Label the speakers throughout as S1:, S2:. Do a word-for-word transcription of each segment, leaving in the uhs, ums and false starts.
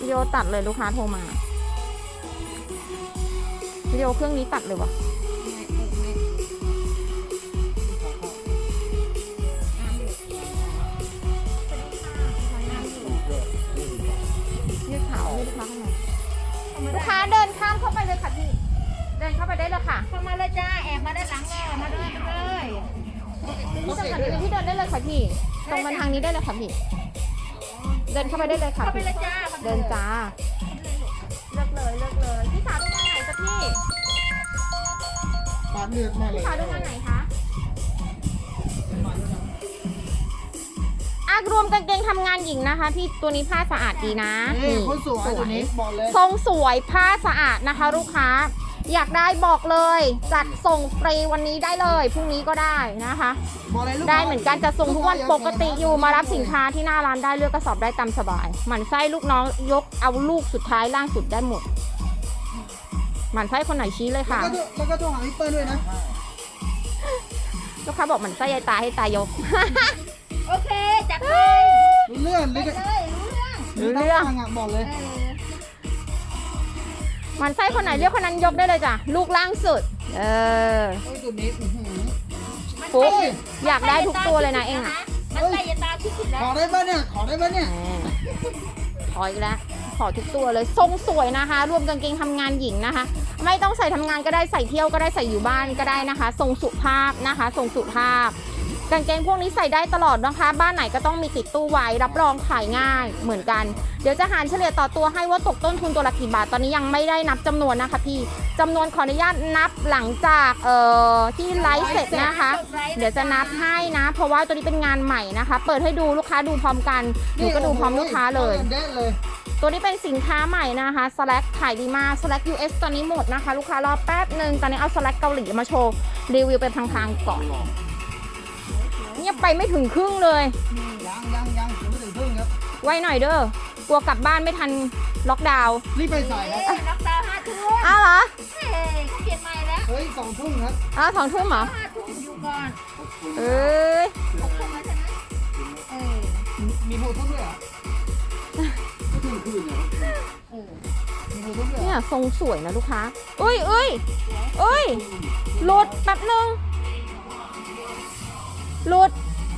S1: วิดีโอตัดเลยลูกค้าโทรมาวิดีโอเครื่องนี้ตัดเลยวะยืดขาให้ลูกค้าเข้ามาลูกค้าเดินข้ามเข้าไปเลยค่ะพี่เดินเข้าไปได้เลยค่ะ
S2: เข้ามาเลยจ้าแอบมาด้านหลังเลยมาเลยมาเลย
S1: พี่สำคัญพี่เดินได้เลยค่ะพี่ตรงมาทางนี้ได้เลยค่ะพี่เดินเข้าไปได้เลยค่ะ
S2: เข้าไปเลยจ้า
S1: เดินจ้าเลิกเลยเลิกเลยพี่สาวดูงานไหนจ๊ะพี่
S3: ปาดเลือดมาเลย
S1: พี่สาวดูงานไหนคะอารวมกางเกงทำงานหญิงนะคะพี่ตัวนี้ผ้าสะอาดดีนะ
S3: นี่คนสวยตัวนี้บอกเลย
S1: ทรงสวยผ้าสะอาดนะคะลูกค้าอยากได้บอกเลยจัดส่งฟรีวันนี้ได้เลยพรุ่งนี้ก็ได้นะคะได้เหมือนกันจะส่งทุกวันปกติอยู่มารับสินค้าที่หน้าร้านได้เลือกกระสอบได้ตามสบายหมั่นไส้ลูกน้องยกเอาลูกสุดท้ายล่างสุดได้หมดหมั่นไส้คนไหนชี้เลยค่ะ
S3: แล้วก็โทรหาพี่เปิ้ลด้วยนะ
S1: ลูกค้าบอกหมั่นไส้ยายตาให้ตายก
S2: โอเคจัดไป
S3: รู้เรื่องรู้เรื่อง
S1: รู้เรื่อง
S3: บอกเลย
S1: มันไส้คนไหนเรียกคนนั้นยกได้เลยจ้ะลูกล่างสุดเออ
S3: ตัวนี้
S1: ฟุ๊กอยากได้ทุกตัวเลยนะเองอ่ะ
S2: มันใส่ยาตาที่สุดแล้ว
S3: ขอได้ป่ะเนี่ยขอได้ป่ะเนี่ย
S1: ขออีกแล้วขอทุกตัวเลยทรงสวยนะคะรวมกางเกงทำงานหญิงนะคะไม่ต้องใส่ทำงานก็ได้ใส่เที่ยวก็ได้ใส่อยู่บ้านก็ได้นะคะทรงสุภาพนะคะทรงสุภาพกางเกงพวกนี้ใส่ได้ตลอดนะคะบ้านไหนก็ต้องมีติดตู้ไว้รับรองขายง่ายเหมือนกันเดี๋ยวจะหารเฉลี่ยต่อตัวให้ว่าตกต้นทุนตัวละกี่บาทตอนนี้ยังไม่ได้นับจำนวนนะคะพี่จำนวนขออนุญาตนับหลังจากเอ่อที่ไลฟ์เสร็จนะคะเดี๋ยวจะนับให้นะเพราะว่าตัวนี้เป็นงานใหม่นะคะเปิดให้ดูลูกค้าดูพร้อมกันหนูก็ดูพร้อมลูกค้าเลยตัวนี้เป็นสินค้าใหม่นะคะ Slack ขายดีมาก Slack ยู เอส ตอนนี้หมดนะคะลูกค้ารอแป๊บหนึ่งตอนนี้เอา Slack เกาหลีมาโชว์รีวิวเป็นทางๆก่อนเงียบไปไม่ถึงครึ่งเลย
S3: ยังยังยังไม่ถึงครึ่งครับ
S1: ไว้หน่อยเด้อกลัวกลับบ้านไม่ทันล็อกดาวน์
S3: รีบไปใส่ครับ
S2: ล็อกดาวน์ห้าทุ่ม
S1: อ้าวเหรอ
S2: เฮ้ยเขาเปลี่ยนใหม่แล้ว
S3: เฮ้ยสองทุ่มครับ
S1: อ้าวสองทุ่มเหรอ
S2: ห้าทุ่มอยู่ก่อน
S1: เอ้ย
S2: หกทุ่มแล้วใช่ไหมเออ
S3: มีหกทุ่มด้วยเหรอไม่ถึงคืนเนี่ยเออมีหกทุ่มด้วย
S1: เนี่ยทรงสวยนะลูกค้าเอ้ยเอ้ยเอ้ยหลุดแป๊บนึงหลุด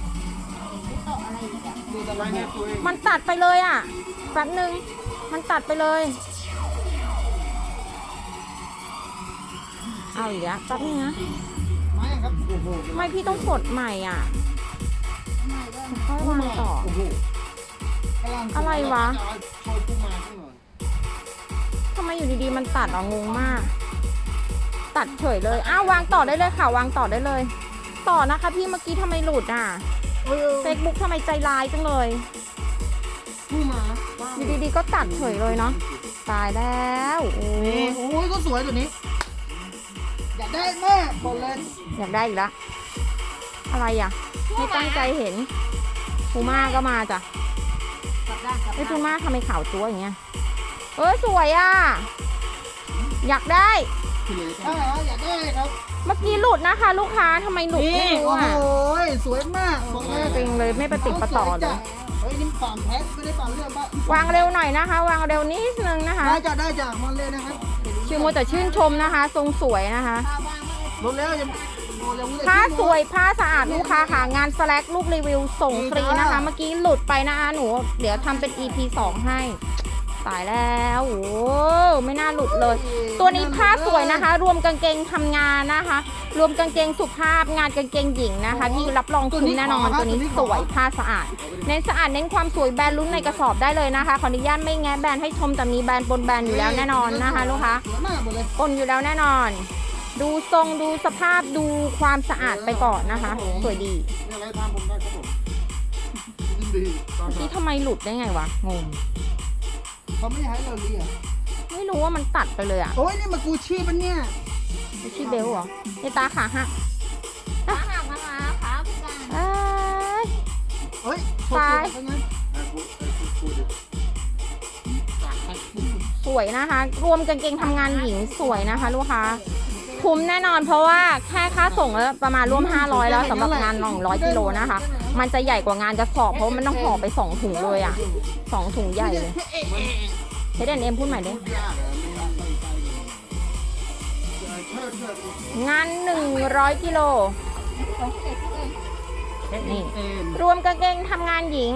S1: มันตัดไปเลยอ่ะแป๊บนึงมันตัดไปเลยเอาอีกแล้วแป๊บนึงนะไม่พี่ต้องกดใหม่อ่ะค่อยวางต่ออะไรวะทำไมอยู่ดีๆมันตัดอ่ะงงมากตัดเฉยเลยอ้าววางต่อได้เลยค่ะวางต่อได้เลยต่อนะคะพี่เมื่อกี้ทำไมหลุดอ่ะเฟซบุ๊กทำไมใจร้ายจังเลยอยู่ดีๆก็ตัดเฉยเลยเนาะตายแล้วโอ้
S3: ยโอ้ยก็สวยตัวนี้อยากได้มากบอกเลย
S1: อยากได้อีกแล้วอะไรอ่ะไม่ตั้งใจเห็นพูม่าก็มาจ้ะไอ้พูม่าทำไมขาวตัวอย่างเงี้ยเออสวยอ่ะอยากได้
S3: อยากได้ครับ
S1: เมื่อกี้หลุดนะคะลูกค้าทำไมหลุดไม่รู้อ่ะ
S3: โอ้ยสวยมากบอกเลย
S1: จริงเลยไม่ประติดประต่อเลย
S3: เฮ้ยนี่ปั่นแพ็คไม่ได้ปั่นเรื่องบ้
S1: าวางเร็วหน่อยนะคะวางเร็วนิดนึงนะคะ
S3: ได้จะได้จากมันเลยนะครับ
S1: ชื่อโมแต่ชื่นชมนะคะทรงสวยนะคะ
S3: ลดแล้วยัง
S1: ผ้าสวยผ้าสะอาดลูกค้าค่ะงานสแลกลูกรีวิวส่งฟรีนะคะเมื่อกี้หลุดไปนะคะหนูเดี๋ยวทำเป็น อี พี สองให้ตายแล้วโอ้ไม่น่าหลุดเลยตัวนี้ผ้าสวยนะคะรวมกางเกงทำงานนะคะรวมกางเกงสุภาพงานกางเกงหญิงนะคะที่รับรองคุ้มแน่นอนตัวนี้สวยผ้าสะอาดเน้นสะอาดเน้นความสวยแบรนด์ลุ้นในกระสอบได้เลยนะคะขออนุญาตไม่แง้แบรนด์ให้ชมแต่มีแบรนด์ปนแบรนด์อยู่แล้วแน่นอนนะคะลูกค้าปนอยู่แล้วแน่นอนดูทรงดูสภาพดูความสะอาดไปก่อนนะคะสวยดีที่ทำไมหลุดได้ไงวะงง
S3: เขาไม่ให้เราเรียก
S1: ไม่รู้ว่ามันตัดไปเลยอ่ะ
S3: โอ้ยนี่มากูชี่ปะเนี่ย
S1: กูชี่เบลเหรอไอตาขาหัก
S2: ขาหักนะคะขาพิการ
S3: เฮ้ย
S1: ตายสวยนะคะรวมกางเกงทำงานหญิงสวยนะคะลูกค้าคุ้มแน่นอนเพราะว่าแค่ค่าส่งแล้วประมาณร่วมห้าร้อยแล้วสำหรับงานหนึ่งร้อยกิโลนะคะมันจะใหญ่กว่างานกระสอบเพราะมันต้องห่อไปสองถุงเลยอ่ะสองถุงใหญ่เลยเอส แอนด์ เอ็ม พูดใหม่ดิ
S3: พูดยากอะไม่ไม่ไม่เชิดเชิด
S1: งานหนึ่งร้อยกิโล
S2: สองเอ็ดเอง
S1: นี่
S3: เอ็น
S1: รวมกางเกงทำงานหญิง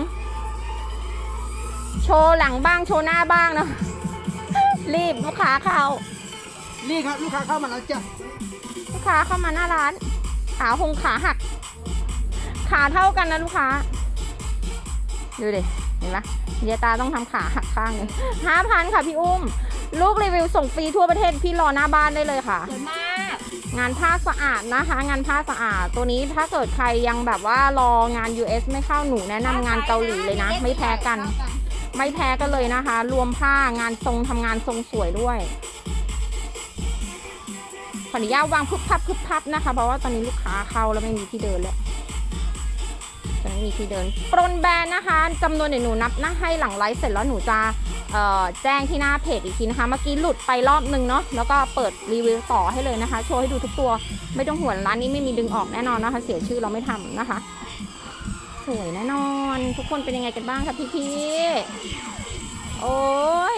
S1: โชว์หลังบ้างโชว์หน้าบ้างเนาะ รีบลูกค้าเข้า
S3: นี่ครับลูกค้าเข้ามาแล้วจ้ะ
S1: ลูกค้าเข้ามาหน้าร้าน ขาคงขาหัก ขาเท่ากันนะลูกค้า ดูดิ เห็นปะเดียตาต้องทำขาหักข้างหนึงห้าพันค่ะพี่อุ้ม ลูกรีวิวส่งฟรีทั่วประเทศพี่รอหน้าบ้านได้เลยค่ะ
S2: สวยมาก
S1: งานผ้าสะอาดนะคะ งานผ้าสะอาด ตัวนี้ถ้าเกิดใครยังแบบว่ารองาน ยู เอส ไม่เข้าหนูแนะนำงานเกาหลีเลยนะ ไม่แพ้กัน ไม่แพ้กันเลยนะคะ รวมผ้างานทรงทำงานทรงสวยด้วย ขออนุญาตวางพึบพับพึบพับนะคะ เพราะว่าตอนนี้ลูกค้าเข้าแล้วไม่มีที่เดินแล้วจะไม่มีที่เดินปรนแบรนด์นะคะจำนวนเดี๋ยวหนูนับนะให้หลังไลฟ์เสร็จแล้วหนูจะเอ่อแจ้งที่หน้าเพจอีกทีนะคะ เมื่อกี้หลุดไปรอบนึงเนาะแล้วก็เปิดรีวิวต่อให้เลยนะคะ โชว์ให้ดูทุกตัวไม่ต้องห่วงร้านนี้ไม่มีดึงออกแน่นอนนะคะ เสียชื่อเราไม่ทำนะคะ สวยแน่นอน ทุกคนเป็นยังไงกันบ้างคะพี่พี่ๆโอ้ย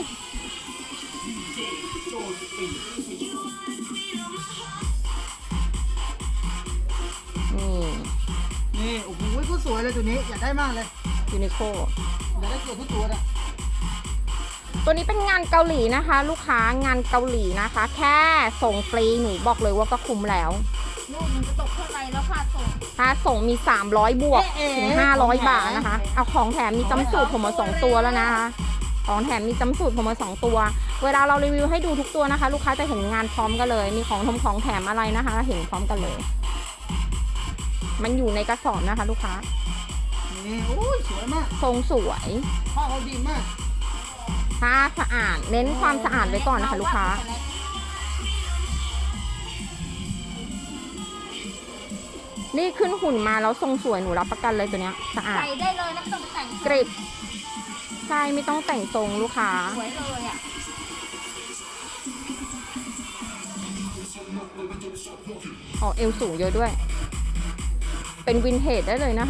S1: นี่
S3: นี่โอ้โหก็สวยเลยตัวนี้อยากได้มากเลย
S1: ยูนิโค
S3: อยากได้ตัวทุกตัวอ่ะ
S1: ตัวนี้เป็นงานเกาหลีนะคะ ลูกค้างานเกาหลีนะคะ แค่ส่งฟรีหนูบอกเลยว่าก็คุ้มแล้ว
S2: ลูกมันจะตกเท่าไหร่แล้วค่าส่ง
S1: ถ้าส่งมีสามร้อยบวกถึงห้าร้อยบาทนะคะ เอาของแถมมีจำสูตรผมมาสองตัวแล้วนะคะของแถมมีจำสูตรผมมาสองตัว เวลาเรารีวิวให้ดูทุกตัวนะคะ ลูกค้าจะเห็นงานพร้อมกันเลย มีของทมของแถมอะไรนะคะ เห็นพร้อมกันเลย มันอยู่ในกระสอบนะคะ ลูกค้า
S3: นี่โอ้ยสวยมาก
S1: ทรงสวย
S3: ผ้าเขาดีมาก
S1: ผ้าสะอาดเน้นความสะอาดไว้ก่อนนะคะ ลูกค้า นี่ขึ้นหุ่นมาแล้วทรงสวยหนูรับประกันเลยตัวเนี้ยสะอาด
S2: ใส่ได้เลยนะไม่ต้องไปแต่ง
S1: กริบใช่ไม่ต้องแต่งทรงลูกค้า
S2: สวยเลยอ่ะ
S1: อ๋อเอวสูงเยอะด้วย เป็นวินเทจได้เลยนะคะ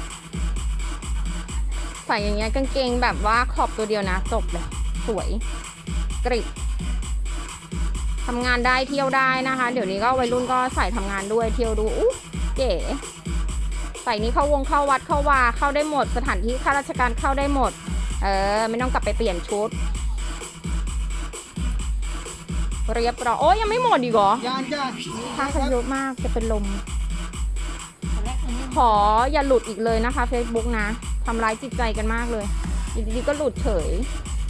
S1: ใส่อย่างเงี้ยกางเกงแบบว่าขอบตัวเดียวนะจบเลยสวยกริบทำงานได้เที่ยวได้นะคะ เดี๋ยวนี้ก็วัยรุ่นก็ใส่ทำงานด้วยเที่ยวดูอู้เก๋ใส่นี้เข้าวงเข้าวัดเข้าวาเข้าได้หมด สถานที่ข้าราชการเข้าได้หมด เออไม่ต้องกลับไปเปลี่ยนชุดเรียบร้อยโอ้ยยังไม่หมดอีกเหรอ
S3: ยานจ้า
S1: ผ้าเขาเยอะมากจะเป็นลม
S2: ตัวแรกตัวนี้
S1: ขออย่าหลุดอีกเลยนะคะ Facebook นะทำร้ายจิตใจกันมากเลยอยู่ดีๆก็หลุดเฉย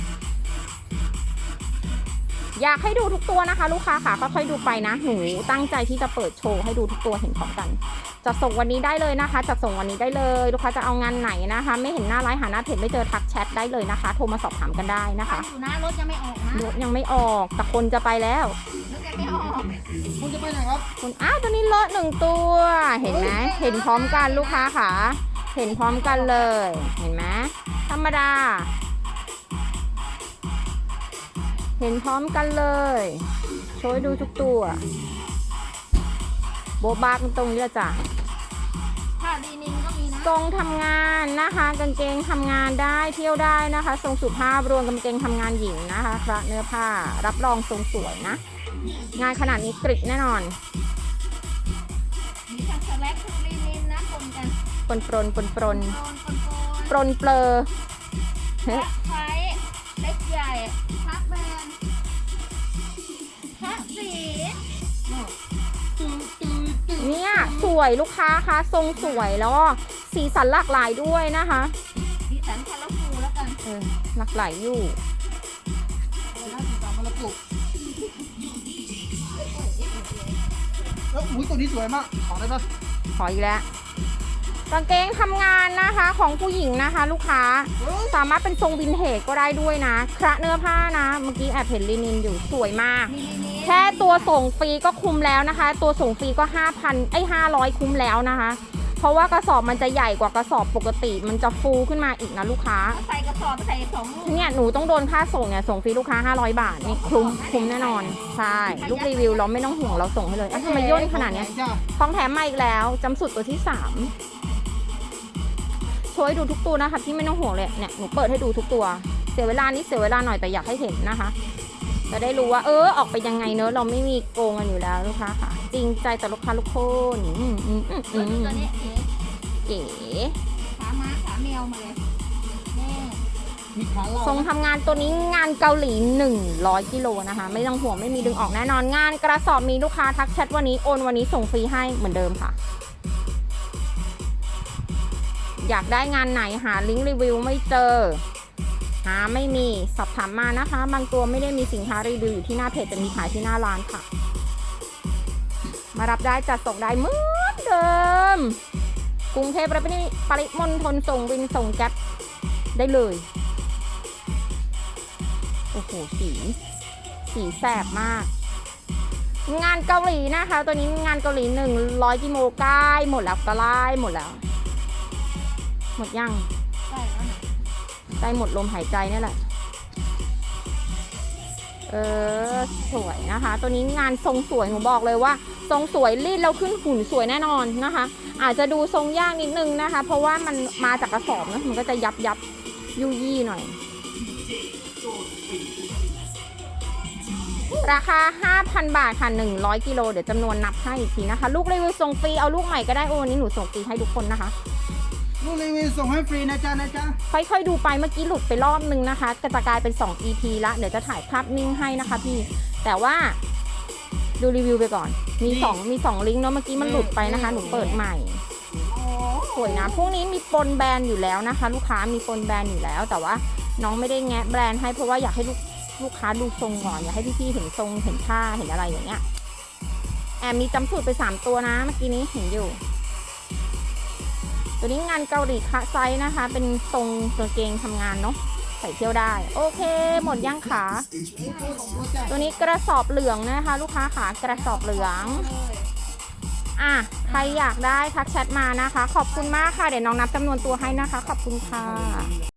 S1: อยากให้ดูทุกตัวนะคะ ลูกค้าค่ะค่อยๆดูไปนะหนูตั้งใจที่จะเปิดโชว์ให้ดูทุกตัวเห็นพร้อมกันจะส่งวันนี้ได้เลยนะคะจะส่งวันนี้ได้เลยลูกค้าจะเอางานไหนนะคะ ไม่เห็นหน้าไลฟ์หาหน้าเพจไม่เจอทักแชทได้เลยนะคะ โทรมาสอบถามกันได้นะคะ
S2: อยู่นะรถยังไม่ออกนะ
S1: รถยังไม่ออกแต่คนจะไปแล้ว
S2: รถยังไม่ออก
S3: คุณจะไปไหนครับ
S1: คุณอ้าวตัวนี้เลอะหนึ่งตัวเห็นไหมเห็นพร้อมกันลูกค้าค่ะเห็นพร้อมกันเลย เห็นไหมธรรมดา เห็นพร้อมกันเลยโชว์ให้ดูทุกตัวโบบากันตรงนี้ละจ้ะ
S2: ผ้าดีนินก็มีนะ
S1: ทรงทำงานนะคะกางเกงทำงานได้เที่ยวได้นะคะทรงสุภาพรวมกางเกงทำงานหญิงนะคะคละเนื้อผ้ารับรองทรงสวยนะ งานขนาดนี้กริบแน่นอน
S2: มีทั้งสแลกทั้งดีนินนะปนกัน
S1: ปนปรนปนปรน
S2: โดนปนปน
S1: ปรนเปลอเฮ้ย
S2: พระไฟเล็กใหญ่พระแบนพระสี
S1: เนี่ยสวยลูกค้าคะทรงสวยแล้วก็สีสันหลากหลายด้วยนะคะ
S2: สีสันคาราฟูแล้วกัน
S1: เออหลากหลายอยู่
S3: อะไรนะสีสันมรกตแล้วอุ้ยตัวนี้สวยมากขอได้ปะ
S1: ขออีกแล้วกางเกงทำงานนะคะของผู้หญิงนะคะ ลูกค้า
S3: เฮ้ย
S1: สามารถเป็นทรงวินเทจก็ได้ด้วยนะคระเนื้อผ้านะ เมื่อกี้แอบเห็นลินินอยู่สวยมาก
S2: มีลินิน
S1: แค่ตัวส่งฟรีก็คุ้มแล้วนะคะ ตัวส่งฟรีก็ห้าพันไอ้ห้าร้อยคุ้มแล้วนะคะ เพราะว่ากระสอบมันจะใหญ่กว่ากระสอบปกติ มันจะฟูขึ้นมาอีกนะลูกค้า
S2: ใส่กระสอบใส่สองลูก
S1: เนี่ยหนูต้องโดนค่าส่งเนี่ยส่งฟรีลูกค้าห้าร้อยบาทนี่คุ้มคุ้มแน่นอนใช่ลูกรีวิวเราไม่ต้องห่วงเราส่งให้เลยอ่ะทำไมย่นขนาดเนี้ย
S3: จ้า
S1: ของแถมมาอีกแล้วจำสุดตัวที่สามโชว์ให้ดูทุกตัวนะคะพี่ไม่ต้องห่วงเลยเนี่ยหนูเปิดให้ดูทุกตัวเสียเวลานิดเสียเวลาหน่อยแต่อยากให้เห็นนะคะ จะได้รู้ว่าเออออกไปยังไงเนอะเราไม่มีโกงกันอยู่แล้วลูกค้าค่ะ จริงใจต่อลูกค้าทุกคนอืมอืมอืมอื
S2: ตัวนี้
S1: ม
S2: ตัวนี้เอ๋
S1: เก๋
S2: ขาม้าขาแมวมาเลยแม่
S3: มีขาเรา
S1: ทรงทำงานตัวนี้งานเกาหลีหนึ่งร้อยกิโลนะคะ ไม่ต้องห่วงไม่มีดึงออกแน่นอนงานกระสอบมีลูกค้าทักแชทวันนี้โอนวันนี้ส่งฟรีให้เหมือนเดิมค่ะ อยากได้งานไหนหาลิงก์รีวิวไม่เจอ หาไม่มีสอบถามมานะคะ บางตัวไม่ได้มีสินค้ารีวิวอยู่ที่หน้าเพจจะมีขายที่หน้าร้านค่ะ มารับได้จัดส่งได้เหมือนเดิมกรุงเทพและปริมณฑลส่งวินส่งแก๊ปได้เลยโอ้โหสีสีแสบมาก งานเกาหลีนะคะ ตัวนี้งานเกาหลีหนึ่งร้อยกิโลใกล้หมดแล้วก็ไล่หมดแล้ว หมดยัง
S2: ได้แล้วนะ
S1: ใกล้หมดลมหายใจนี่แหละ เออสวยนะคะ ตัวนี้งานทรงสวยหนูบอกเลยว่า ทรงสวยรีดแล้วขึ้นหุ่นสวยแน่นอนนะคะ อาจจะดูทรงยากนิดนึงนะคะ เพราะว่ามันมาจากกระสอบนะมันก็จะยับยับยุยี่หน่อย ราคา ห้าพัน บาทค่ะหนึ่งร้อยกิโลเดี๋ยวจำนวนนับให้อีกทีนะคะ ลูกรีวิวส่งฟรีเอาลูกใหม่ก็ได้โอ้วันนี้หนูส่งฟรีให้ทุกคนนะคะ
S3: ลูกรีวิวส่งให้ฟรีนะจ๊ะนะจ๊ะ
S1: ค่อยๆดูไปเมื่อกี้หลุดไปรอบนึงนะคะก็จะกลายเป็นสอง อี พี ละเดี๋ยวจะถ่ายภาพนิ่งให้นะคะพี่ แต่ว่าดูรีวิวไปก่อน มีสองมีสองลิงก์เนาะเมื่อกี้มันหลุดไปนะคะ หนูเปิดใหม่
S2: โอ้
S1: สวยนะ พวกนี้มีปนแบรนด์อยู่แล้วนะคะ ลูกค้ามีปนแบรนด์อยู่แล้ว แต่ว่าน้องไม่ได้แงะแบรนด์ให้เพราะว่าอยากให้ลูกลูกค้าดูทรงก่อนอยากให้พี่ๆเห็นทรงเห็นท่าเห็นอะไรอย่างเงี้ยแอบมีจำสูตรไปสามตัวนะเมื่อกี้นี้เห็นอยู่ ตัวนี้งานเกาหลีคะไซส์นะคะ เป็นทรงกางเกงทำงานเนาะใส่เที่ยวได้ โอเค หมดย่างขาตัวนี้กระสอบเหลืองนะคะ ลูกค้าขากระสอบเหลือง
S2: เลย
S1: อ่ะใครอยากได้ทักแชทมานะคะ ขอบคุณมากค่ะเดี๋ยวน้องนับจำนวนตัวให้นะคะ ขอบคุณค่ะ